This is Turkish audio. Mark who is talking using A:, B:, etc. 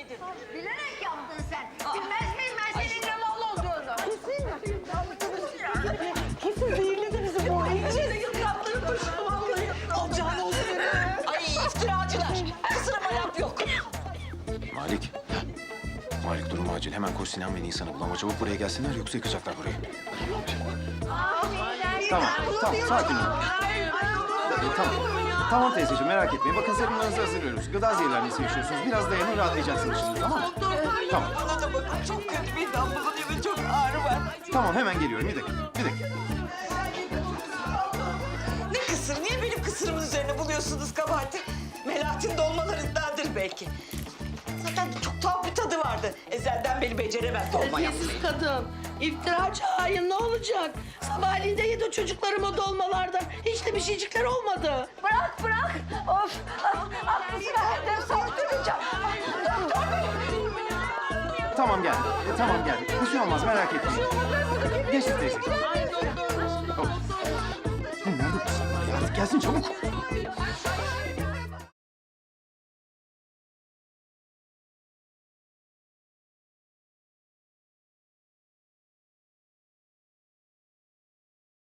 A: Bilerek yaptın sen. Bilmez miyim ben senin ne mal olduğunu?
B: Kesin zehirledi bizi bu. İçeri yıpratları koştu vallahi. Alacağın olsun.
C: Ay iftiracılar. Kısırıma laf yok.
D: Malik. Malik durum acil. Hemen koş Sinan ve Nisan'ı bul ama çabuk buraya gelsinler yoksa yıkacaklar burayı. Tamam, sakin ol. Tamam. Tamam teyzeciğim merak etmeyin. Bakın serumlarınızı hazırlıyoruz. Gıda zehirlenmesi yaşıyorsunuz. Biraz dayanın rahatlayacaksınız şimdi tamam mı? Tamam.
C: Bana da bakın çok kötü bir damlılığın ve çok ağrı var.
D: Tamam hemen geliyorum. Bir dakika. Bir dakika.
C: Ne kısır? Niye benim kısırımın üzerine buluyorsunuz kabahati? Melahat'in dolmalarındandır belki. Zaten çok tuhaf bir tadı vardı. Ezelden beri beceremez dolma yapmayı.
B: Terbiyesiz kadın. İftiracı hain ne olacak? Sabahleyin de yedi çocuklarım o dolmalardan. Hiç de bir şeycikler olmadı.
A: Bırak bırak. Of. Aklısını herden sorduracağım. Doktor bey.
D: Tamam geldim. Tamam geldim. Bir şey olmaz merak etmeyin. Geçti teyzeciğim. Hop. Nerede bu kızlar ya? Artık gelsin çabuk.